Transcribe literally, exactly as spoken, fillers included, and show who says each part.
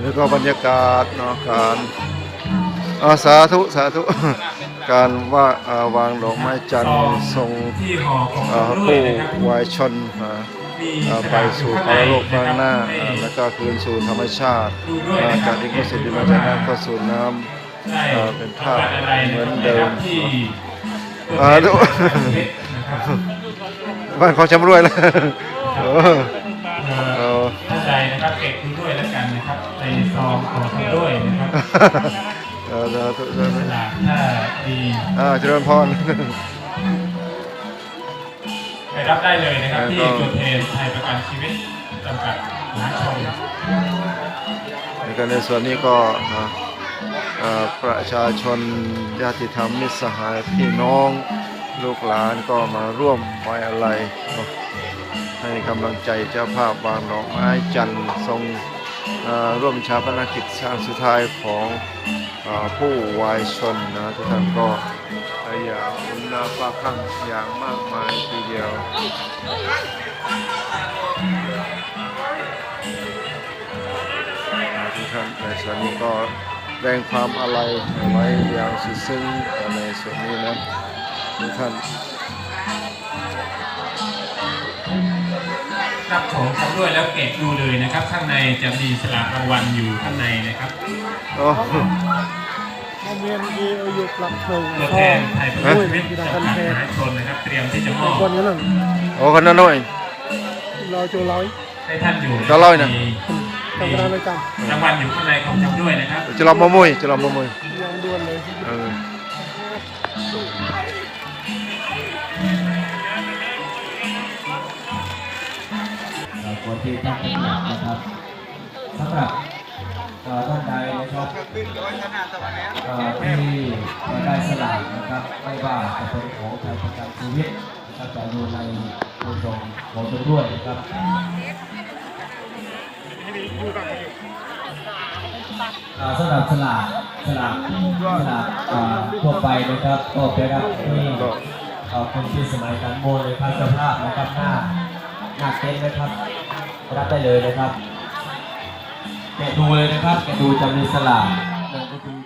Speaker 1: นนี้ก็บรรยากาศเนาะการอาสาธุสาธุการว่าวางดอกไม้จันทร์ทรงผู้วายชนไปสู่ภาวโลกข้างหน้าแล้วก็คืนสู่ธรรมชาติจากที่ก็สุดที่มาจากน้ำก็สู่น้ำเป็นภาพเหมือนเดิมอ่าทุกบ้านเขาจำรวยแล้ว
Speaker 2: ท่านใดนะครับเก็บดูด้วยแล้วกันนะครับในซองของท่านด้วยนะครับ
Speaker 1: เออเออเออ
Speaker 2: ถ้าดี
Speaker 1: อ่าเจริญพร
Speaker 2: ไปรับได้เลยนะครับที่จุดเทนไทยประกันชีวิตจำกัดมหาชน
Speaker 1: ในส่วนนี้ก็ประชาชนญาติธรรมมิตรสหายพี่น้องลูกหลานก็มาร่วมไว้อาลัยให้กำลังใจเจ้าภาพวางดอกไม้จันทร์ทรงร่วมชาปนกิจครั้งสุดท้ายของผู้วายชนนะทุกท่านก็อย่างอุ่นนาฟ้าคลั่งอย่างมากมายทีเดียวทุกท่านในส่วนนี้ก็แสดงความอาลัยไว้อย่างสุดซึ้งในส่วนนี้นะทุกท่าน
Speaker 2: รับของชำร่วยแล้วเก็บดูเลยนะครับข้างในจะมีสลากรางวัลอยู่ข้างในนะครับ
Speaker 1: โอ้
Speaker 3: เมียนดีอยู่ปรับหนึ่ง
Speaker 2: ตัวแทนไทยประกันชีวิตจำกัดมหาชนนะครับเตรียมที่จะมอบ
Speaker 3: คนนี้นั่น
Speaker 1: โอ้คนนั้นหน่อย
Speaker 3: รอโจร้อย
Speaker 2: ให้ท่านอยู่
Speaker 1: จะร้อยนะ
Speaker 3: รางวัลเลยกัน
Speaker 2: รางวัลอยู่ข้างในของชำร่วยนะครับ
Speaker 1: จะรอมมุยจะรอมมุย
Speaker 3: ยังด่วนเลย
Speaker 4: คนที่ตั้งใจนะครับสำหรับท่านใดนะครับที่ได้สลากนะครับไม่ว่าจะเป็นของไทยประกันชีวิตนะครับจะอยู่ในโครงการของตนด้วยนะครับสำหรับสลากสลากสลากทั่วไปนะครับก็ไปรับที่คนที่สมัยการโมเลยพระเจ้าภาพนะครับหน้าหน้าเต็นท์นะครับรับได้เลยนะครับแกะดูเลยนะครับแกะดูจะมีสลากนั่นก็คือ